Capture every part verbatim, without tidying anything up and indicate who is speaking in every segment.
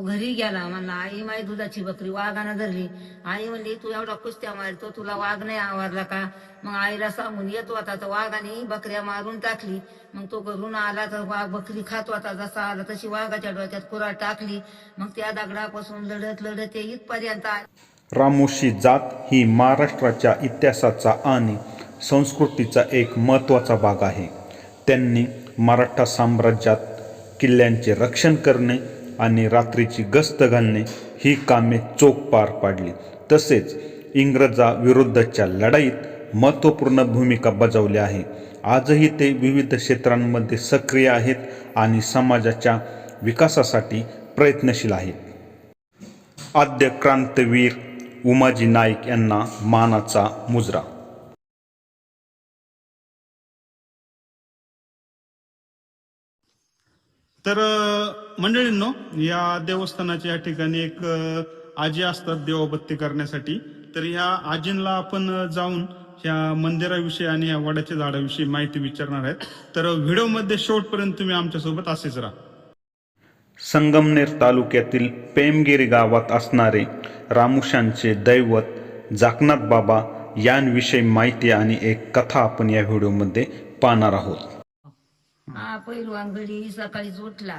Speaker 1: घरी गेला. म्हणला आई माई दुधाची बकरी वाघानं धरली. आई म्हणली तू एवढा कुस्त्या मारतो तुला वाघ नाही आवरला का? मग आईला सांगून येतो आता तर वाघाने बकऱ्या मारून टाकली. मग तो घरून आला तर वाघ बकरी खात होता, जसा आला तशी वाघाच्या डोक्यात कुऱ्हाड टाकली. मग त्या दगडापासून लढत लढत ते इथपर्यंत आले.
Speaker 2: रामोशी जात ही महाराष्ट्राच्या इतिहासाचा आणि संस्कृतीचा एक महत्त्वाचा भाग आहे. त्यांनी मराठा साम्राज्यात किल्ल्यांचे रक्षण करणे आणि रात्रीची गस्त घालणे ही कामे चोख पार पाडली. तसेच इंग्रजाविरुद्धच्या लढाईत महत्त्वपूर्ण भूमिका बजावली आहे. आजही ते विविध क्षेत्रांमध्ये सक्रिय आहेत आणि समाजाच्या विकासासाठी प्रयत्नशील आहेत. आद्य क्रांतीवीर उमाजी नाईक यांना मानाचा मुजरा.
Speaker 3: तर मंडळींनो, या देवस्थानाच्या या ठिकाणी एक आजी असतात देवबत्ती करण्यासाठी. तर ह्या आजींना आपण जाऊन ह्या मंदिराविषयी आणि या वडाच्या झाडाविषयी माहिती विचारणार आहेत. तर व्हिडिओमध्ये शेवटपर्यंत तुम्ही आमच्यासोबत असेच राहा.
Speaker 2: संगमनेर तालुक्यातील पेमगिरी गावात असणारे रामुशांचे दैवत जाकनाथ बाबा यांविषयी माहिती आणि एक कथा आपण या व्हिडिओमध्ये पाहणार आहोत.
Speaker 1: हा पहिलवान घडी सकाळीच उठला.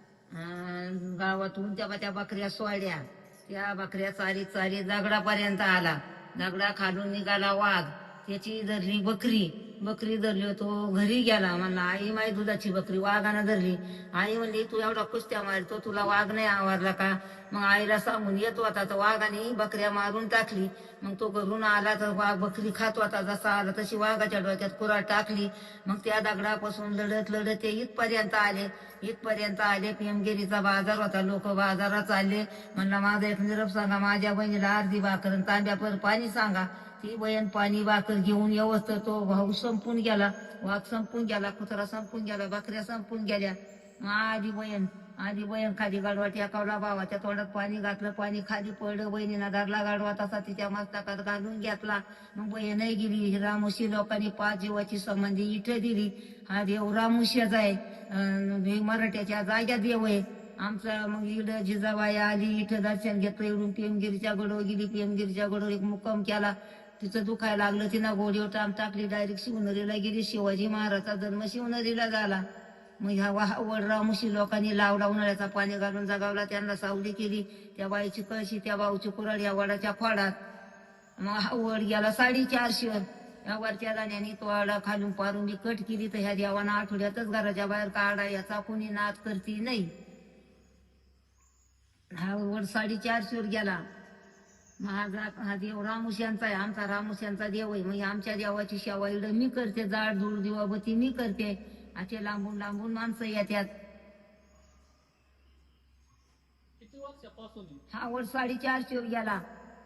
Speaker 1: गावातून त्या त्या बकऱ्या सोडल्या. त्या बकऱ्या चारी चारी दगडापर्यंत आला. दगडा खालून निघाला वाघ. त्याची धरली बकरी. बकरी धरली तो घरी गेला. म्हणला आई माई दुधाची बकरी वाघानं धरली. आई म्हणली तू एवढा कुस्त्या मारतो तुला वाघ नाही आवरला का? मग आईला सांगून येतो आता तर वाघाने बकऱ्या मारून टाकली. मग तो घरून आला तर वाघ बकरी खात होता, जसा आला तशी वाघाच्या डोक्यात कुऱ्हाड टाकली. मग त्या दगडापासून लढत लढत ते इथपर्यंत आले. इथपर्यंत आले. पेमगिरीचा बाजार होता. लोक बाजारात चालले. म्हणला माझा एक निरोप सांगा, माझ्या बहिणीला अर्धी भाकर आणि तांब्यापर पाणी सांगा. ती बहीण पाणी भाकर घेऊन व्यवस्थित तो भाऊ संपून गेला. वाघ संपून गेला. कुत्रा संपून गेला. बकऱ्या संपून गेल्या. मग आधी बहीण आधी बहीण खाली गाडवा टेकावला. भावाच्या तोंडात पाणी घातलं. पाणी खाली पडलं. बहिणीनं धरला गाडवा, तसा तिच्या मस्तकात घालून घेतला. मग बहीणही गेली. रामोशी लोकांनी पाच जीवाची संबंधी इथे दिली. हा देव रामोशीचा आहे. मराठ्याच्या जाग्या देव आहे आमचा. मग इकडं जिजाबाई आली. इथं दर्शन घेतलं. इकडून पेमगिरीच्या गडवर गेली. पेमगिरीच्या गडवर एक मुक्काम केला. तिचं दुखायला लागलं. तिनं गोडीवर टाम टाकली. डायरेक्ट शिवनेरीला गेली. शिवाजी महाराजचा जन्म शिवनेरीला झाला. मग ह्या वड रामोशी लोकांनी लावला. उन्हाळ्याचा पाणी घालून जगावला. त्यांना सावली केली. त्या बाईची कळशी, त्या भाऊची कुऱ्हाड या वडाच्या खोडात. मग हा वड गेला साडेचारशे वर. या वरच्या दाण्याने तो वाडा खालून पारून कट केली. तर ह्या देवाना आठवड्यातच घराच्या बाहेर काढा. याचा कोणी नाद करती नाही. हा वड साडेचारशे वर गेला. माझा हा देव रामुश्यांचा आहे. आमचा रामुश्यांचा देव आहे. मग आमच्या देवाची सेवा इकडं मी करते. जाड धूळ दिवाबती मी करते. असे लांबून लांबून माणसं येतात. हा वर साडेचारशे वर गेला.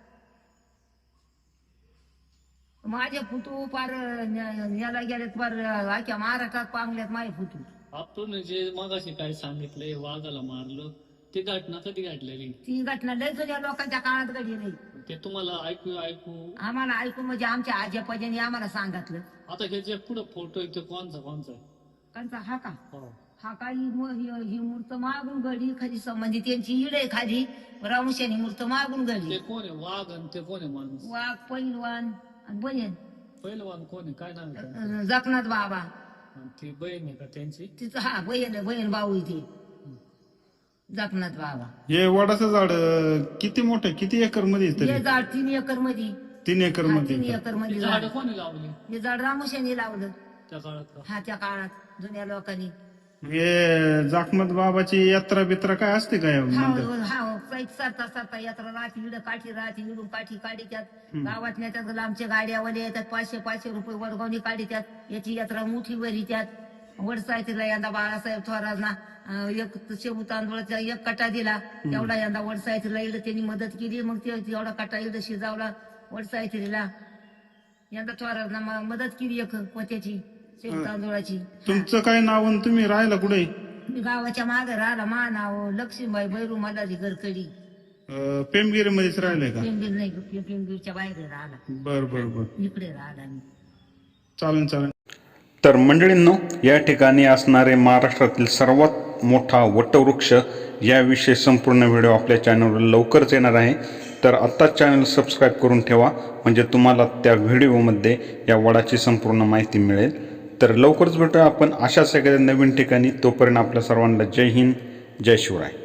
Speaker 1: माझे फुटू पार याला गेलेत. पार आख्या महाराष्ट्रात पांगल्यात माझे फुटू.
Speaker 4: आपण जे मगाशी काय सांगितलंय वाघाला मारलं, ती घटना कधी घडलेली?
Speaker 1: ती घटना लय जुन्या लोकांच्या काळात घडली नाही.
Speaker 4: ते तुम्हाला ऐकू ऐकू
Speaker 1: आम्हाला ऐकून म्हणजे आमच्या आज्यापाज्याने आम्हाला सांगितलं.
Speaker 4: आता हे जे पुढे फोटो आहे ते कोणचा कोणचा आहे?
Speaker 1: त्यांचा हा का
Speaker 4: हो.
Speaker 1: हा का ही मू- ही ही मूर्त मागून घडली. खाली संबंधी त्यांची हिड आहे खाली. रामुशानी मूर्त मागून
Speaker 4: ते
Speaker 1: घडली.
Speaker 4: कोण आहे वाघ आणि ते कोण आहे माणूस?
Speaker 1: वाघ पहिलवान आणि बहीण
Speaker 4: पहिलवान कोण आहे? काय नाव आहे त्यांचं?
Speaker 1: जगन्नाथ बाबा.
Speaker 4: आणि ती बहीण आहे का त्यांची?
Speaker 1: तिचं हा बहीण बहीण भाऊ इथे जगन्नाथ बाबा.
Speaker 3: हे वडाचं झाड अं, किती मोठं, किती एकर मध्ये आहे
Speaker 1: हे
Speaker 3: तरी?
Speaker 1: झाड तीन एकर मध्ये.
Speaker 3: तीन एकर
Speaker 1: हा,
Speaker 3: मध्ये
Speaker 1: तीन
Speaker 3: आहे का?
Speaker 1: एकर
Speaker 4: ती
Speaker 1: मध्ये
Speaker 4: झाडं
Speaker 1: झाड.
Speaker 4: कोणी लावली
Speaker 1: हे झाड रामुशाने लावलं.
Speaker 4: त्या काळात का?
Speaker 1: हा त्या काळात जुन्या लोकांनी.
Speaker 3: हे जाकनाथ बाबाची यात्रा बित्रा काय असते काय
Speaker 1: हा
Speaker 3: मंदिर?
Speaker 1: हा पैक सरता सरता यात्रा राहते. इकडं काठी राहते. इकडून काठी काढी त्यात गावात नेत्यात. लांबच्या गाड्यावाले येतात. पाचशे पाचशे रुपये वडगावनी काढी त्यात. याची यात्रा मोठी भरी त्यात. वडसायतीला यंदा बाळासाहेब थोरातना अं, एक शेबू तांदूळाचा एक कटा दिला. तेवढा यंदा वडसायतीला इकडं त्यांनी मदत केली. मग ते तेवढा कटा इकडं शिजावला वडसायतीला. यंदा थोरातना म- मदत केली एक पोत्याची शेबू तांदूळाची.
Speaker 3: तुमचं काय नाव आणि तुम्ही राहायला कुठे?
Speaker 1: मी गावाच्या मागे राहिला. मा नाव लक्ष्मीबाई बैरू मलारी गरकडी.
Speaker 3: पेमगिरी मध्येच राहिलंय का?
Speaker 1: पेंबीर नाही पेंबीरच्या बाहेर राहिला.
Speaker 3: बर बर बर
Speaker 1: इकडे राहिला मी.
Speaker 3: चालेल चालेल.
Speaker 2: तर मंडळींनो, या ठिकाणी असणारे महाराष्ट्रातील सर्वात मोठा वटवृक्ष याविषयी संपूर्ण व्हिडिओ आपल्या चॅनलवर लवकरच येणार आहे. तर आत्ताच चॅनल सबस्क्राईब करून ठेवा, म्हणजे तुम्हाला त्या व्हिडिओमध्ये या वडाची संपूर्ण माहिती मिळेल. तर लवकरच भेटूया आपण अशाच एखाद्या नवीन ठिकाणी. तोपर्यंत आपल्या सर्वांना जय हिंद, जय शिवराय.